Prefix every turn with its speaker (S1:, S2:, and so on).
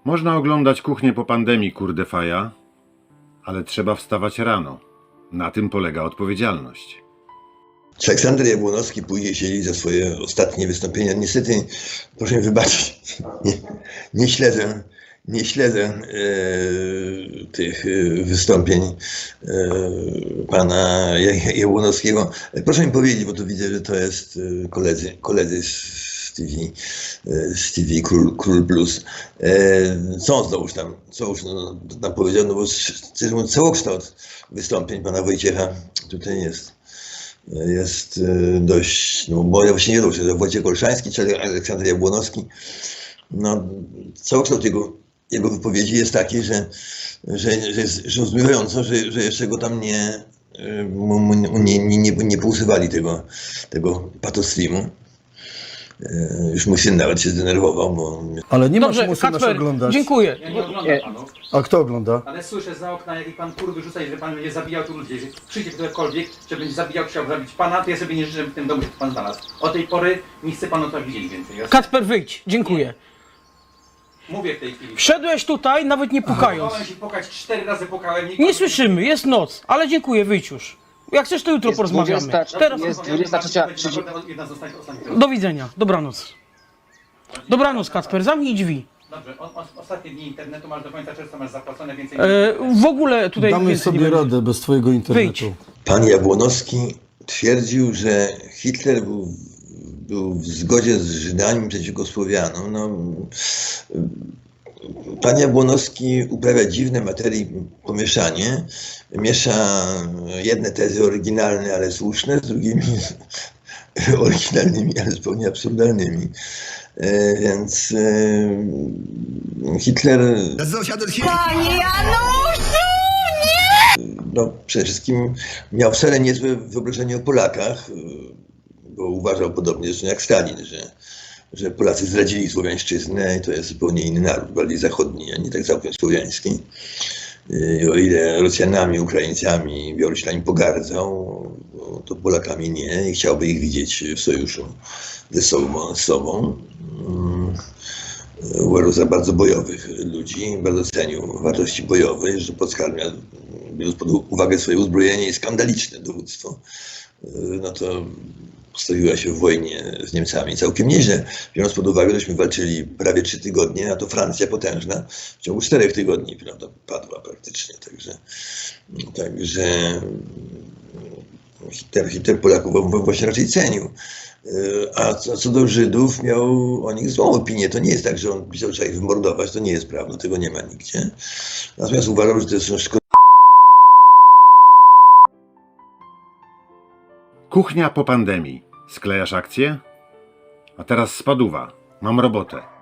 S1: Można oglądać kuchnię po pandemii, kurde faja, ale trzeba wstawać rano. Na tym polega odpowiedzialność.
S2: Czy Aleksander Jabłonowski pójdzie siedzieć za swoje ostatnie wystąpienia? Niestety, proszę mi wybaczyć, nie śledzę tych wystąpień pana Jabłonowskiego. Proszę mi powiedzieć, bo tu widzę, że to jest koledzy z TV Król Plus. Co on tam powiedział? No bo szczerze mówiąc, całokształt wystąpień pana Wojciecha tutaj jest dość, no bo ja właśnie nie wiem, czy to Wojciech Olszański, czy Aleksander Jabłonowski. No, całokształt jego wypowiedzi jest taki, że jest zdumiewająco, że jeszcze go tam nie pousuwali tego patostreamu. Już mój syn nawet się zdenerwował, bo...
S3: Ale nie
S4: Dobrze,
S3: masz musu nas
S4: Kacper,
S3: oglądać.
S4: dziękuję.
S5: Ja nie oglądam panów,
S3: A kto ogląda?
S5: ale słyszę za okna, jak pan kurwy rzuca i że pan będzie zabijał tu ludzi. Jeżeli przyjdzie ktokolwiek, że będzie zabijał, chciał zabić pana, to ja sobie nie życzę w tym domu, że pan znalazł. Od tej pory nie chcę panu to widzieć więcej. Ja
S4: Kacper, wyjdź. Dziękuję.
S5: mówię w tej chwili.
S4: Wszedłeś tutaj, nawet nie pukając.
S5: Pukałem się pukać, 4 razy pukałem.
S4: Nie słyszymy, jest noc, ale dziękuję, wyjdź już. Jak chcesz, to jutro
S6: Jest
S4: porozmawiamy.
S6: 20,
S4: Teraz
S6: jest 23:30.
S5: Jedna z ostatnich.
S4: do widzenia, dobranoc. Dobranoc, Kacper, zamknij drzwi.
S5: Dobrze, ostatnie dni internetu masz do końca czerwca, masz zapłacone więcej.
S4: W ogóle tutaj
S3: Damy
S4: więcej
S3: sobie
S4: nie będzie.
S3: radę bez twojego internetu.
S4: Wyjdź.
S2: Pan Jabłonowski twierdził, że Hitler był w zgodzie z Żydami przeciwko Słowianom. No, pan Jabłonowski uprawia dziwne materii pomieszanie. Miesza jedne tezy oryginalne, ale słuszne, z drugimi oryginalnymi, ale zupełnie absurdalnymi. Więc Hitler...
S7: Panie Januszu!
S2: No, przede wszystkim miał wcale niezłe wyobrażenie o Polakach, bo uważał podobnie zresztą jak Stalin, że Polacy zdradzili słowiańszczyznę i to jest zupełnie inny naród, bardziej zachodni, a nie tak całkiem słowiański. I o ile Rosjanami, Ukraińcami, Białorusinami pogardzał, to Polakami nie i chciałby ich widzieć w sojuszu ze sobą. Uważał za bardzo bojowych ludzi, bardzo cenił wartości bojowe, że polska armia, biorąc pod uwagę swoje uzbrojenie i skandaliczne dowództwo, no to postawiła się w wojnie z Niemcami całkiem nieźle. Biorąc pod uwagę, żeśmy walczyli prawie 3 tygodnie, a to Francja potężna w ciągu 4 tygodni, prawda, padła praktycznie. Także Hitler Polaków właśnie raczej cenił. A co do Żydów, miał o nich złą opinię. To nie jest tak, że on pisał, że trzeba ich wymordować, to nie jest prawda, tego nie ma nigdzie. Natomiast uważał, że to są szkodliwe.
S1: Kuchnia po pandemii. Sklejasz akcję? A teraz spaduwa. Mam robotę.